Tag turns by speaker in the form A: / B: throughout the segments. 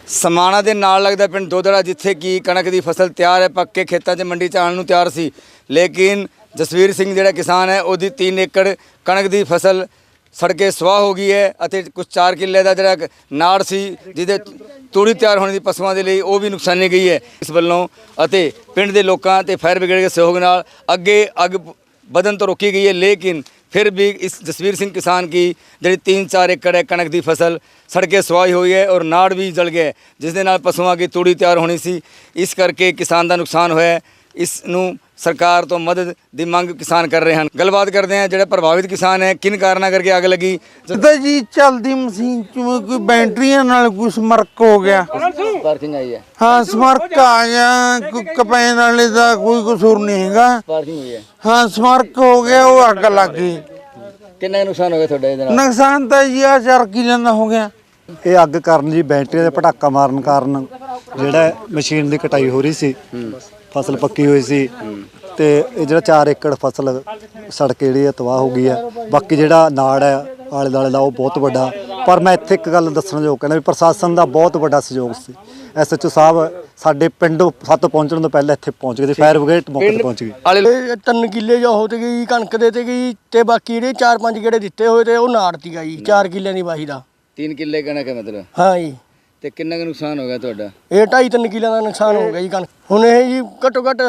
A: ਸਮਾਣਾ ਦੇ ਨਾਲ ਲੱਗਦਾ ਪਿੰਡ ਦੋਦੜਾ ਜਿੱਥੇ ਕਿ ਕਣਕ ਦੀ ਫਸਲ ਤਿਆਰ ਹੈ, ਪੱਕੇ ਖੇਤਾਂ 'ਚ ਮੰਡੀ 'ਚ ਆਉਣ ਨੂੰ ਤਿਆਰ ਸੀ। ਲੇਕਿਨ ਜਸਵੀਰ ਸਿੰਘ ਜਿਹੜਾ ਕਿਸਾਨ ਹੈ ਉਹਦੀ 3 ਏਕੜ ਕਣਕ ਦੀ ਫਸਲ ਸੜ ਕੇ ਸਵਾਹ ਹੋ ਗਈ ਹੈ ਅਤੇ ਕੁਝ 4 ਕਿੱਲੇ ਦਾ ਜਿਹੜਾ ਨਾੜ ਸੀ ਜਿਹਦੇ ਤੂੜੀ ਤਿਆਰ ਹੋਣ ਦੀ ਪਸ਼ੂਆਂ ਦੇ ਲਈ ਉਹ ਵੀ ਨੁਕਸਾਨੀ ਗਈ ਹੈ। ਇਸ ਵੱਲੋਂ ਅਤੇ ਪਿੰਡ ਦੇ ਲੋਕਾਂ ਤੇ ਫਾਇਰ ਬ੍ਰਿਗੇਡ ਦੇ ਸਹਿਯੋਗ ਨਾਲ ਅੱਗੇ ਅੱਗ ਵਧਣ ਤੋਂ ਰੋਕੀ ਗਈ है। लेकिन फिर भी इस जसवीर सिंह किसान की जी 3-4 एकड़ है कणक की फसल सड़के सुवाही हुई है और नाड़ भी जल गया जिस दे नाल पशुओं की तूड़ी तैयार होनी सी। इस करके किसान का नुकसान होया। इस नूं सरकार तो मदद की मंग किसान कर रहे हैं। गलबात करते हैं जो प्रभावित किसान है किन कारणों करके आग लगी।
B: जी चलती मशीन च कोई बैटरियां नाल कोई स्मर्क हो गया।
A: स्पार्किंग आई है।
B: हाँ स्मर्क आ गया, कोई कपैन वाले का कोई कसूर नहीं हैगा।
A: स्पार्किंग हुई है।
B: हाँ स्मर्क हो गया, वो अग लग गई।
A: कितना नुकसान हो गया थोड़ा इधर?
B: नुकसान तो जी 4 किलो का हो गया।
C: ਇਹ ਅੱਗ ਕਾਰਨ ਜੀ ਬੈਟਰੀ ਦੇ ਪਟਾਕਾ ਮਾਰਨ ਕਾਰਨ ਜਿਹੜਾ ਮਸ਼ੀਨ ਦੀ ਕਟਾਈ ਹੋ ਰਹੀ ਸੀ, ਫਸਲ ਪੱਕੀ ਹੋਈ ਸੀ ਤੇ ਇਹ ਜਿਹੜਾ 4 ਏਕੜ ਫਸਲ ਸੜ ਕੇ ਜਿਹੜੀ ਤਬਾਹ ਹੋ ਗਈ ਹੈ। ਬਾਕੀ ਜਿਹੜਾ ਨਾੜ ਹੈ ਆਲੇ ਦੁਆਲੇ ਦਾ ਉਹ ਬਹੁਤ ਵੱਡਾ। ਪਰ ਮੈਂ ਇੱਥੇ ਇੱਕ ਗੱਲ ਦੱਸਣ ਜੋ ਕਹਿੰਦਾ ਵੀ ਪ੍ਰਸ਼ਾਸਨ ਦਾ ਬਹੁਤ ਵੱਡਾ ਸਹਿਯੋਗ ਸੀ। SHO ਸਾਹਿਬ ਸਾਡੇ ਪਿੰਡ ਸੱਤ ਪਹੁੰਚਣ ਤੋਂ ਪਹਿਲਾਂ ਇੱਥੇ ਪਹੁੰਚ ਗਏ ਸੀ, ਫਾਇਰ ਬ੍ਰਿਗੇਡ ਮੌਕੇ ਤੇ ਪਹੁੰਚ ਗਈ।
D: 3 ਕਿੱਲੇ ਜੋ ਹੋ ਤੇ ਗਈ ਕਣਕ ਦੇ ਤੇ ਗਈ ਤੇ ਬਾਕੀ ਜਿਹੜੇ 4-5 ਗੇੜੇ ਦਿੱਤੇ ਹੋਏ ਤੇ ਉਹ ਨਾੜਤੀ ਗਈ 4 ਕਿੱਲਿਆਂ ਦੀ ਵਾਹੀ ਦਾ।
A: 3 ਕਿੱਲੇ ਕਣਕ ਹੈ मतलब?
D: ਹਾਂ ਜੀ।
A: ਤੇ ਕਿੰਨਾ ਕੁ ਨੁਕਸਾਨ ਹੋ ਗਿਆ ਤੁਹਾਡਾ?
D: ਇਹ 2.5-3 ਕਿੱਲਿਆਂ ਦਾ ਨੁਕਸਾਨ ਹੋ ਗਿਆ ਜੀ ਕਣਕ। ਹੁਣ ਇਹ ਜੀ ਘੱਟੋ ਘੱਟ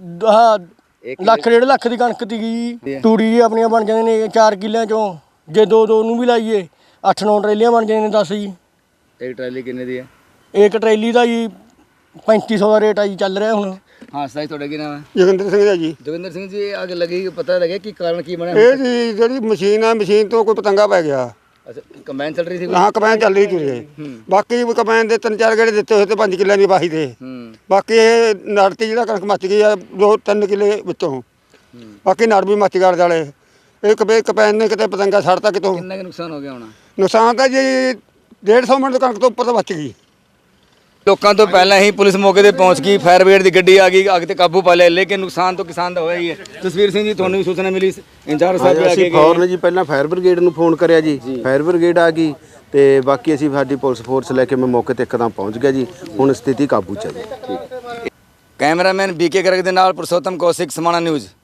D: ਲੱਖ 1.5 ਲੱਖ ਦੀ ਕਣਕ ਦੀ ਗਈ। ਤੂੜੀ ਜੀ ਆਪਣੀਆਂ ਬਣ ਜਾਂਦੀਆਂ ਨੇ 4 ਕਿੱਲਿਆਂ ਚੋਂ, ਜੇ 2-2 ਨੂੰ ਵੀ ਲਾਈਏ 8-9 ਟਰੇਲੀਆਂ ਬਣ ਜਾਂਦੀਆਂ ਨੇ 10 ਜੀ।
A: ਇੱਕ ਟਰਾਲੀ ਕਿੰਨੇ ਦੀ ਹੈ?
D: ਇੱਕ ਟਰੇਲੀ ਦਾ ਜੀ 3500 ਦਾ ਰੇਟ ਆ ਜੀ ਚੱਲ ਰਿਹਾ ਹੁਣ।
A: ਹਾਂ ਸਾਈ ਤੁਹਾਡਾ ਕੀ ਨਾਮ ਹੈ?
E: ਜੋਗਿੰਦਰ ਸਿੰਘ ਦਾ ਜੀ।
A: ਜੋਗਿੰਦਰ ਸਿੰਘ ਜੀ ਅੱਗ ਲੱਗੀ ਪਤਾ ਲੱਗਿਆ ਕੀ ਕਾਰਨ ਕੀ ਬਣਿਆ?
E: ਇਹ ਜੀ ਜਿਹੜੀ ਮਸ਼ੀਨ ਹੈ, ਮਸ਼ੀਨ ਤੋਂ ਕੋਈ ਪਤੰਗਾ ਪੈ ਗਿਆ।
A: ਅੱਛਾ ਕੰਬਾਈਨ ਚੱਲ ਰਹੀ ਸੀ?
E: ਹਾਂ ਕੰਬਾਈਨ ਚੱਲ ਰਹੀ ਤੁਰੇ। ਬਾਕੀ ਕੰਬਾਈਨ ਦੇ 3-4 ਗੇੜੇ ਦਿੱਤੇ ਹੋਏ ਤੇ 5 ਕਿੱਲਿਆਂ ਦੀ ਵਾਹੀ ਦੇ। ਬਾਕੀ ਇਹ ਨੜਤੀ ਜਿਹੜਾ ਕਣਕ ਮੱਚ ਗਈ ਆ 2-3 ਕਿੱਲੇ ਵਿੱਚੋਂ। ਬਾਕੀ ਨੜ ਵੀ ਮੱਚ ਗੜ ਜਾਲੇ। ਇਹ ਕੰਬਾਈਨ ਨੇ ਕਿਤੇ ਪਤੰਗਾ ਛੱਡਤਾ ਕਿਤੋਂ।
A: ਕਿੰਨਾ ਕੁ ਨੁਕਸਾਨ ਹੋ ਗਿਆ ਹੋਣਾ?
E: ਨੁਕਸਾਨ ਤਾਂ ਜੀ 150 ਮਿੰਟ ਕਣਕ ਤੋਂ ਉੱਪਰ ਤਾਂ ਬਚ ਗਈ।
A: ਲੋਕਾਂ ਤੋਂ ਪਹਿਲਾਂ ਹੀ ਪੁਲਿਸ ਮੌਕੇ ਤੇ ਪਹੁੰਚ ਗਈ, ਫਾਇਰ ਬ੍ਰਿਗੇਡ ਦੀ ਗੱਡੀ ਆ ਗਈ, ਅੱਗ ਤੇ ਕਾਬੂ ਪਾ ਲਿਆ। ਲੇਕਿਨ ਨੁਕਸਾਨ ਤਾਂ ਕਿਸਾਨ ਦਾ ਹੋਇਆ ਹੀ ਹੈ। ਜਸਵੀਰ ਸਿੰਘ ਜੀ ਤੁਹਾਨੂੰ ਵੀ ਸੂਚਨਾ ਮਿਲੀ? ਇੰਚਾਰਜ ਸਾਹਿਬ ਵੀ ਆ ਕੇ
F: ਫੌਰਨ ਜੀ ਪਹਿਲਾਂ ਫਾਇਰ ਬ੍ਰਿਗੇਡ ਨੂੰ ਫੋਨ ਕਰਿਆ ਜੀ, ਫਾਇਰ ਬ੍ਰਿਗੇਡ ਆ ਗਈ ਤੇ ਬਾਕੀ ਅਸੀਂ ਸਾਡੀ ਪੁਲਿਸ ਫੋਰਸ ਲੈ ਕੇ ਮੈਂ ਮੌਕੇ ਤੇ ਇੱਕਦਮ ਪਹੁੰਚ ਗਿਆ ਜੀ। ਹੁਣ ਸਥਿਤੀ ਕਾਬੂ 'ਚ ਹੈ ਜੀ।
A: ਕੈਮਰਾਮੈਨ BK ਗਰਗ ਦੇ ਨਾਲ ਪੁਰਸ਼ੋਤਮ ਕੌਸ਼ਿਕ, ਸਮਾਣਾ ਨਿਊਜ਼।